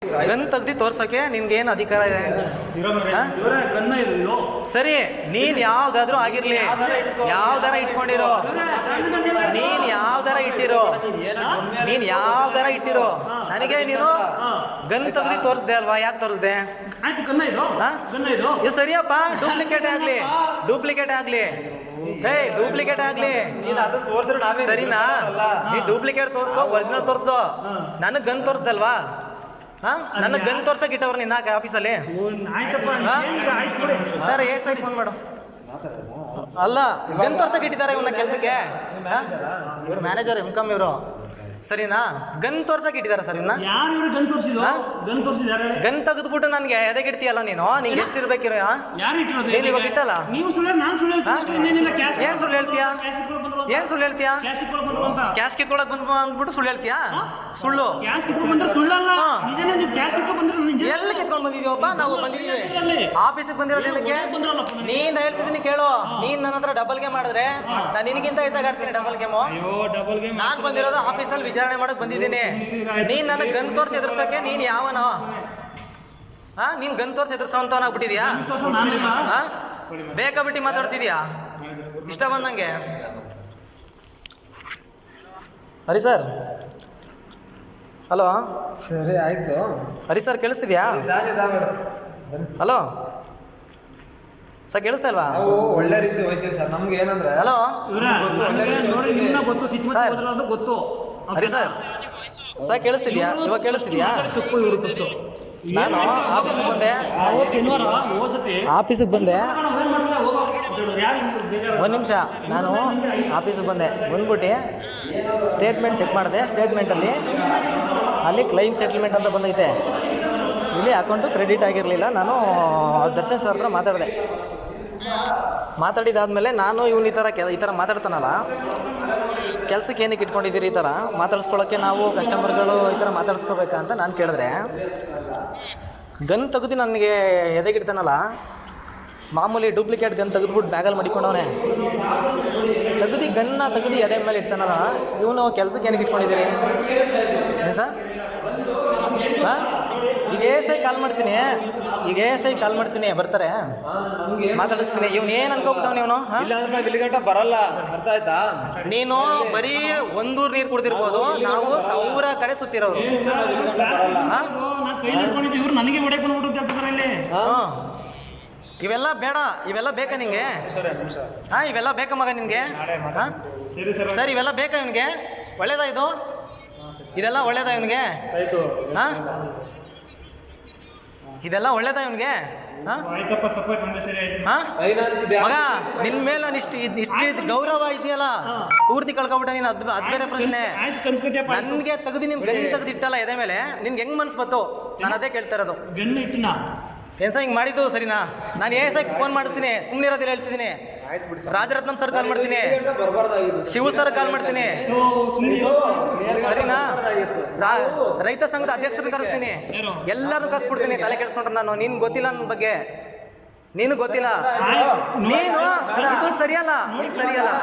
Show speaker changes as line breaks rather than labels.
Gun ತೆಗ್ದು ತೋರ್ಸೋಕೆ ನಿನ್ಗೆ ಏನು ಅಧಿಕಾರ ಇದೆ? ಸರಿ, ನೀನ್ ಯಾವ್ದಾದ್ರೂ ಆಗಿರ್ಲಿ, ಯಾವ್ದಾರ ಇಟ್ಕೊಂಡಿರೋ, ನೀನ್ ಯಾವ್ದಾರ ಇಟ್ಟಿರೋ, ನನಗೆ ನೀನು ಗನ್ ತೆಗ್ದು ತೋರಿಸ್ದೆ ಅಲ್ವಾ? ಯಾಕೆ ತೋರಿಸ್ದೆ? ಇದು ಸರಿಯಪ್ಪ. ಡೂಪ್ಲಿಕೇಟ್ ಆಗ್ಲಿ ಸರಿನಾ? ನೀ ಡೂಪ್ಲಿಕೇಟ್ ತೋರಿಸ್ದೋ ಒರಿಜಿನಲ್ ತೋರಿಸ್ದೋ, ನನಗೆ ಗನ್ ತೋರಿಸ್ದಲ್ವಾ? ನನಗೆ ಗನ್ ತೋರ್ಸಕ್ ಇಟ್ಟವ್ರು ನಿನ್ನ ಆಫೀಸಲ್ಲಿ. ಸರ್ ಸರಿ ಫೋನ್ ಮಾಡು. ಅಲ್ಲ, ಗನ್ ತೋರ್ಸಕ್ ಇಟ್ಟಿದ್ದಾರೆ ಇವನ್ನ ಕೆಲ್ಸಕ್ಕೆ. ಇವ್ರು ಮ್ಯಾನೇಜರ್ ಎಮ್.ಕಾಮ್ ಇವರು, ಸರಿನಾ? ಗನ್ ತೋರ್ಸಕ್ ಇಟ್ಟಿದ್ದಾರೆ ಸರ್ ಇನ್ನ. ಗನ್ ತೆಗೆದ್ಬಿಟ್ಟು ನನ್ಗೆ ಎದೆಗೆ ಇಡ್ತೀಯಲ್ಲ ನೀನು? ನಿಂಗೆ ಎಷ್ಟು ಇರ್ಬೇಕಿರೋ? ನೀನು ಇವಾಗ ಇಟ್ಟಲ್ಲ. ಏನ್ ಸುಳ್ಳು ಹೇಳ್ತೀಯಾ? ಕ್ಯಾಶ್ ಕಿತ್ಕೊಳಕ್ ಬಂದ್ಬಿಟ್ಟು ಸುಳ್ಳು ಹೇಳ್ತೀಯಾ? ಸುಳ್ಳು ಎಲ್ಲಿ ಕಿತ್ಕೊಂಡ್ ಬಂದಿದೀವಪ್ಪ? ನಾವು ಬಂದಿದೀವಿ ಆಫೀಸಿಗೆ ಬಂದಿರೋದಕ್ಕೆ. ನೀನ್ ಹೇಳ್ತಿದ್ದೀನಿ ಕೇಳು. ನೀನ್ ನನ್ನ ಹತ್ರ ಡಬಲ್ ಗೇಮ್ ಮಾಡಿದ್ರೆ ನಾನು ನಿನಗಿಂತ ಹೆಚ್ಚಾಗಿ ಆಡ್ತೀನಿ ಡಬಲ್ ಗೇಮು. ನಾನ್ ಬಂದಿರೋದು ಆಫೀಸಲ್ಲಿ ವಿಚಾರಣೆ ಮಾಡಕ್ ಬಂದಿದ್ದೀನಿ. ನೀನ್ ನನಗೆ ಗನ್ ತೋರ್ಸಿ ಎದುರ್ಸಕ್ಕೆ ನೀನ್ ಯಾವನೋ? ನೀನ್ ಗನ್ ತೋರ್ಸಿ ಎದುರ್ಸೋಂತವನಾಗ್ಬಿಟ್ಟಿದ್ಯಾ? ಬೇಕಾಬಿಟ್ಟಿ ಮಾತಾಡ್ತಿದ್ಯಾ ಇಷ್ಟ ಬಂದಂಗೆ? Hari sir, hello.
ಸರಿ ಆಯ್ತು.
ಹರಿ ಸರ್ ಕೇಳಿಸ್ತಿದ್ಯಾ? ಹಲೋ ಸರ್, ಕೇಳಿಸ್ತಾ ಇಲ್ವಾ?
ಒಳ್ಳೆ ರೀತಿ ಹೋಯ್ತೀವಿ ಸರ್. ನಮ್ಗೆ ಏನಂದ್ರೆ
ಹಲೋ
ಗೊತ್ತು.
ಹರಿ ಸರ್, ಸರ್ ಕೇಳಿಸ್ತಿದ್ಯಾ? ಇವಾಗ ಕೇಳಿಸ್ತಿದ್ಯಾ? ನಾನು ಆಫೀಸಿಗೆ ಬಂದೆ. ಒಂದು ನಿಮಿಷ, ನಾನು ಆಫೀಸಿಗೆ ಬಂದ್ಬಿಟ್ಟು ಸ್ಟೇಟ್ಮೆಂಟ್ ಚೆಕ್ ಮಾಡಿದೆ. ಸ್ಟೇಟ್ಮೆಂಟಲ್ಲಿ ಅಲ್ಲಿ ಕ್ಲೈಮ್ ಸೆಟಲ್ಮೆಂಟ್ ಅಂತ ಬಂದೈತೆ. ಇಲ್ಲಿ ಅಕೌಂಟು ಕ್ರೆಡಿಟ್ ಆಗಿರಲಿಲ್ಲ. ನಾನು ದರ್ಶನ್ ಸರ್ ಹತ್ರ ಮಾತಾಡಿದಾದ್ಮೇಲೆ ನಾನು ಇವನು ಈ ಥರ ಮಾತಾಡ್ತಾನಲ್ಲ, ಕೆಲಸಕ್ಕೆ ಏನಕ್ಕೆ ಇಟ್ಕೊಂಡಿದ್ದೀರಿ ಈ ಥರ ಮಾತಾಡಿಸ್ಕೊಳ್ಳೋಕ್ಕೆ? ನಾವು ಕಸ್ಟಮರ್ಗಳು ಈ ಥರ ಮಾತಾಡಿಸ್ಕೋಬೇಕಾ ಅಂತ ನಾನು ಕೇಳಿದ್ರೆ, ಗನ್ ತೆಗೆದು ನನಗೆ ಎದೆಗಿಡ್ತಾನಲ್ಲ, ಮಾಮೂಲಿ ಡೂಪ್ಲಿಕೇಟ್ ಗನ್ ತೆಗೆದ್ಬಿಟ್ಟು ಬ್ಯಾಗಲ್ಲಿ ಮಡಿಕೊಂಡವನೇ. ತೆಗೆದು ಎದೆ ಮೇಲೆ ಇಡ್ತಾನಲ್ಲ, ಇವನು ಕೆಲಸಕ್ಕೆ ಏನಕ್ಕೆ ಇಟ್ಕೊಂಡಿದ್ದೀರಿ ಸರ್? ಈಗ ಎ.ಎಸ್.ಐ ಕಾಲ್ ಮಾಡ್ತೀನಿ, ಬರ್ತಾರೆ, ಮಾತಾಡಿಸ್ತೀನಿ. ಇವನು ಏನು ಅನ್ಕೋಬಿಟ್ಟವನು? ಇವನು
ಇಲ್ಲಿಗಂಟ ಬರಲ್ಲ, ಅರ್ಥ ಆಯ್ತಾ?
ನೀನು ಬರೀ ಒಂದೂರು ನೀರು ಕುಡ್ದಿರ್ಬೋದು, ನಾವು 1000 ಕಡೆ ಸುತ್ತಿರೋದು. ಇವೆಲ್ಲ ಬೇಡ, ಇವೆಲ್ಲ ಬೇಕಾ ನಿಂಗೆ? ಇವೆಲ್ಲ ಬೇಕಾ ಮಗ ನಿನ್ಗೆ? ಸರ್, ಇವೆಲ್ಲ ಬೇಕಾ ಇವನಿಗೆ? ಒಳ್ಳೇದಾ ಇದು? ಇದೆಲ್ಲ ಒಳ್ಳೇದಾ ಇವನಿಗೆ? ಇದೆಲ್ಲ ಒಳ್ಳೇದಾ ಇವನಿಗೆ? ಮಗ, ನಿನ್ ಮೇಲೆ ನಾನು ಇಷ್ಟು ಗೌರವ ಇದೆಯಲ್ಲ, ಪೂರ್ತಿ ಕಳ್ಕೊಬಿಟ್ಟ ನೀನು. ಅದು ಬೇರೆ ಪ್ರಶ್ನೆ. ನನ್ಗೆ ತೆಗೆದು ನಿನ್ ಗನ್ ತೆಗೆದು ಇಟ್ಟಲ್ಲ ಎದೆ ಮೇಲೆ, ನಿನ್ಗೆ ಹೆಂಗ್ ಮನ್ಸು ಬಂತು? ನಾನು ಅದೇ ಕೇಳ್ತಾ ಇರೋದು. ಏನ್ ಸರ್ ಹಿಂಗೆ ಮಾಡಿದ್ದು ಸರಿನಾ? ನಾನು ಎ.ಎಸ್.ಐ ಫೋನ್ ಮಾಡ್ತೀನಿ, ಸುಮ್ಮನೆ ಇರೋದಿಲ್ಲ ಹೇಳ್ತಿದ್ದೀನಿ. ರಾಜರತ್ನಂ ಸರ್ ಕಾಲ್ ಮಾಡ್ತೀನಿ, ಶಿವ ಸರ್ ಕಾಲ್ ಮಾಡ್ತೀನಿ, ಸರಿನಾ? ರೈತ ಸಂಘದ ಅಧ್ಯಕ್ಷರನ್ನ ಕರೆಸ್ತೀನಿ, ಎಲ್ಲರೂ ಕರೆಸ್ಬಿಡ್ತೀನಿ. ತಲೆ ಕೆಡಿಸ್ಕೊಂಡ್ರೆ ನಾನು, ನೀನು ಗೊತ್ತಿಲ್ಲ ನನ್ನ ಬಗ್ಗೆ, ನೀನು ಗೊತ್ತಿಲ್ಲ. ನೀನು ಇದು ಸರಿಯಲ್ಲ.